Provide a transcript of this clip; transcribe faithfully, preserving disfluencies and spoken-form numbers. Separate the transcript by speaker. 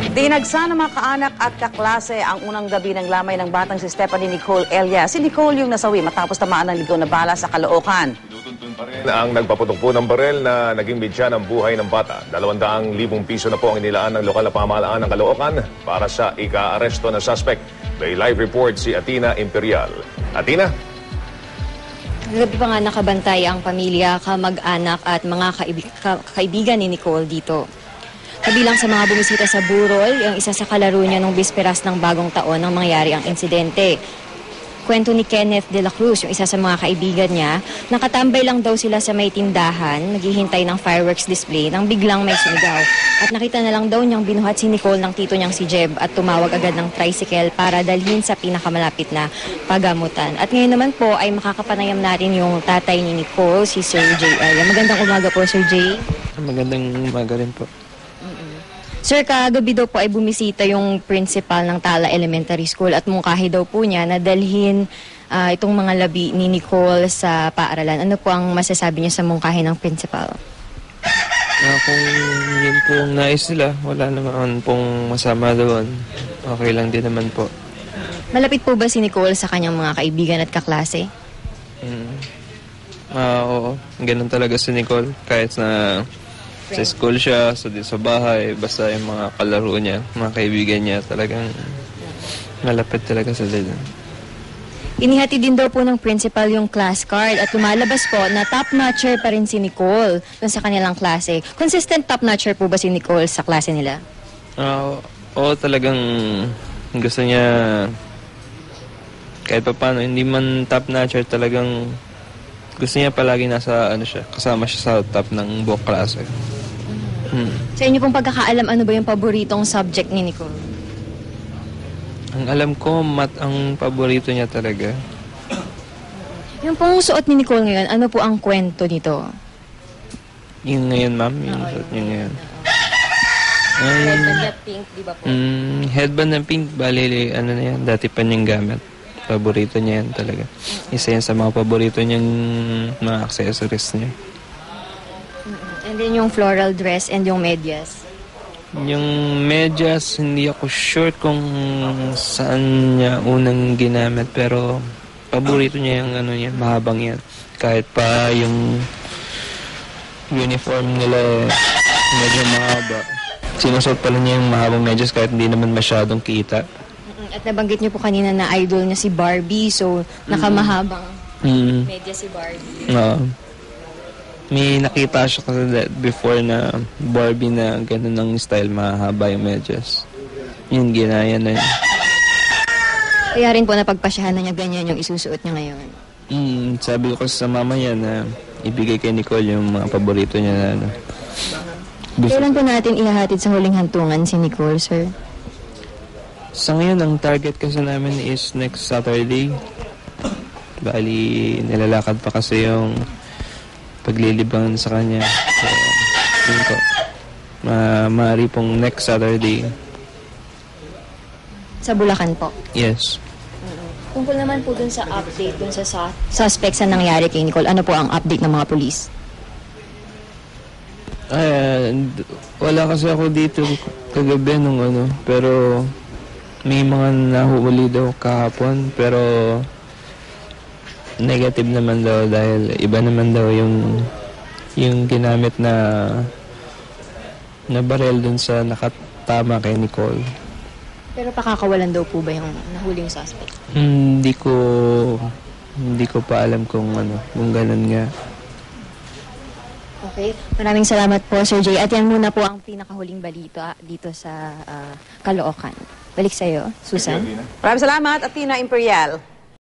Speaker 1: Dinagsa ng mga kaanak at kaklase ang unang gabi ng lamay ng batang si Stephanie Nicole Elia. Si Nicole yung nasawi matapos tamaan ng ligaw na bala sa Caloocan.
Speaker 2: Tinutuntun pa rin ang nagpaputok po ng barel na naging bidya ng buhay ng bata. Dalawang libong piso na po ang inilaan ng lokal na pamahalaan ng Caloocan para sa ika-aresto na suspect. May live report si Atina Imperial. Atina?
Speaker 3: Gabi pa nga nakabantay ang pamilya, kamag-anak at mga kaibig- ka- kaibigan ni Nicole dito. Kabilang sa mga bumisita sa burol, yung isa sa kalaro niya nung bisperas ng bagong taon nang mangyari ang insidente. Kwento ni Kenneth de la Cruz, yung isa sa mga kaibigan niya, nakatambay lang daw sila sa may tindahan, naghihintay ng fireworks display nang biglang may sumigaw. At nakita na lang daw niyang binuhat si Nicole ng tito niyang si Jeb at tumawag agad ng tricycle para dalhin sa pinakamalapit na pagamutan. At ngayon naman po ay makakapanayam natin yung tatay ni Nicole, si Sir Jay. Ay, magandang umaga po, Sir Jay.
Speaker 4: Magandang umaga rin po.
Speaker 3: Sir, kagabi daw po ay bumisita yung principal ng Tala Elementary School at mungkahi daw po niya na dalhin uh, itong mga labi ni Nicole sa paaralan. Ano po ang masasabi niya sa mungkahi ng principal?
Speaker 4: Uh, kung yun pong nais nila, wala naman pong masama doon. Okay lang din naman po.
Speaker 3: Malapit po ba si Nicole sa kanyang mga kaibigan at kaklase?
Speaker 4: Mm. Uh, oo, ganun talaga si Nicole. Kahit na sa school siya, sa, sa bahay, basta yung mga kalaro niya, mga kaibigan niya, talagang malapit talaga sa dila.
Speaker 3: Inihati din daw po ng principal yung class card at lumalabas po na top-notcher pa rin si Nicole dun sa kanilang klase. Consistent top-notcher po ba si Nicole sa klase nila?
Speaker 4: Uh, oo, talagang gusto niya, kahit pa paano, hindi man top-notcher, talagang gusto niya palagi nasa, ano siya, kasama siya sa top ng buong klase. Hmm.
Speaker 3: Sa inyo pong pagkakaalam, ano ba yung paboritong subject ni Nicole?
Speaker 4: Ang alam ko, mat ang paborito niya talaga.
Speaker 3: Yung pong suot ni Nicole ngayon, ano po ang kwento nito?
Speaker 4: Yung ngayon, ma'am, yung suot niya ngayon. Ay,
Speaker 3: Headband na pink, di ba po?
Speaker 4: Mm, headband na pink, bali, ano na yan, dati pa niyang gamit. Paborito niya yan talaga. Isa yan sa mga paborito niyang mga accessories niya.
Speaker 3: And then yung floral dress and yung medyas.
Speaker 4: Yung medyas, hindi ako sure kung saan niya unang ginamit, pero paborito niya yung ano niya, mahabang yan. Kahit pa yung uniform nila medyo mahaba. Sinusot pala niya yung mahabang medyas kahit hindi naman masyadong kita.
Speaker 3: At nabanggit niyo po kanina na idol niya si Barbie, so nakamahabang
Speaker 4: mm.
Speaker 3: medyas si Barbie.
Speaker 4: Oo. Uh, may nakita siya kasi before na Barbie na ganun ng style, mahaba yung medyas. Yun, ginaya na yun.
Speaker 3: Kaya rin po napagpasyahan na niya ganyan yung isusuot niya ngayon.
Speaker 4: Mm, sabi ko sa mama niya na ibigay kay Nicole yung mga paborito niya na ano.
Speaker 3: Kailan po natin ihahatid sa huling hantungan si Nicole, sir?
Speaker 4: Sa ngayon, ang target kasi namin is next Saturday. Bali, nilalakad pa kasi yung paglilibangan sa kanya. So, yun po. Ma maaari pong next Saturday.
Speaker 3: Sa Bulacan po?
Speaker 4: Yes.
Speaker 3: Tungkol naman po dun sa update dun sa su- suspect sa nangyari kay Nicole, ano po ang update ng mga polis?
Speaker 4: Ay, wala kasi ako dito kagabi nung ano, pero may mga nahuli daw kahapon, pero negative naman daw dahil iba naman daw yung yung ginamit na na barel dun sa nakatama kay Nicole.
Speaker 3: Pero pakakawalan daw po ba yung nahuling suspect?
Speaker 4: Hindi ko hindi ko pa alam kung ano, kung ganun nga.
Speaker 3: Okay. Maraming salamat po, Sir Jay. At yan muna po ang pinakahuling balita dito sa uh, Caloocan. Balik sa'yo, Susan.
Speaker 1: Maraming salamat, Atina Imperial.